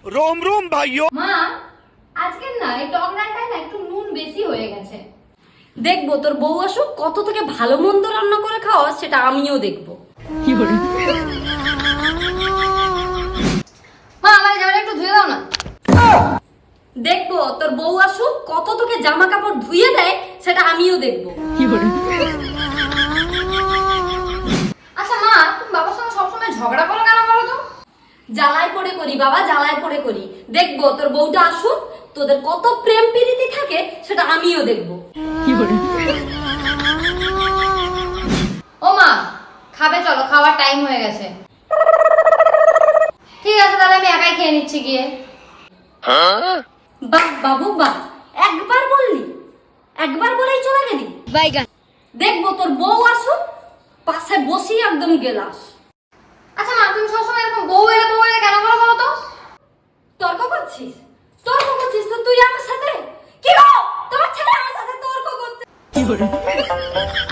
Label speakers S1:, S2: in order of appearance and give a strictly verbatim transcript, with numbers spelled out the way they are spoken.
S1: रोम रोम भाइयों।
S2: মা আজকে না এই টক ডালটায় না একটু নুন বেশি হয়ে গেছে। দেখবো তোর বউ আসুক কত থেকে ভালো মন্দ রান্না করে খাওয়া সেটা আমিও দেখবো। মা আমার জামাটা একটু ধুয়ে দাও না। দেখবো তোর বউ আসুক কত তোকে জামা কাপড় ধুয়ে দেয় সেটা আমিও দেখবো। আচ্ছা মা তুমি বাবার সঙ্গে সবসময় ঝগড়া করো কেন বলো তো? জ্বালায় পড়ে করি বাবা, জ্বালায় পড়ে করি। দেখবো তোর বউটা আসুক তোদের কত প্রেম প্রীতি থাকে সেটা আমিও দেখবো। ও মা খাবে চলো, খাওয়ার টাইম হয়ে গেছে। ঠিক আছে তাহলে আমি একাই খেয়ে নিচ্ছি গিয়ে। বাহ বাবু বাহ, একবার বললি, একবার বলেই চলে গেলি। বাইগান দেখবো তোর বউ আসুক পাশে বসি একদম গেলাস। আচ্ছা মা তুমি সবসময় এরকম বউ এলে বউ এলে কেন বলো বলো তো? তর্ক করছিস? তর্ক করছিস তো তুই আমার সাথে? কি গো তোমার ছেলে আমার সাথে তর্ক করছে?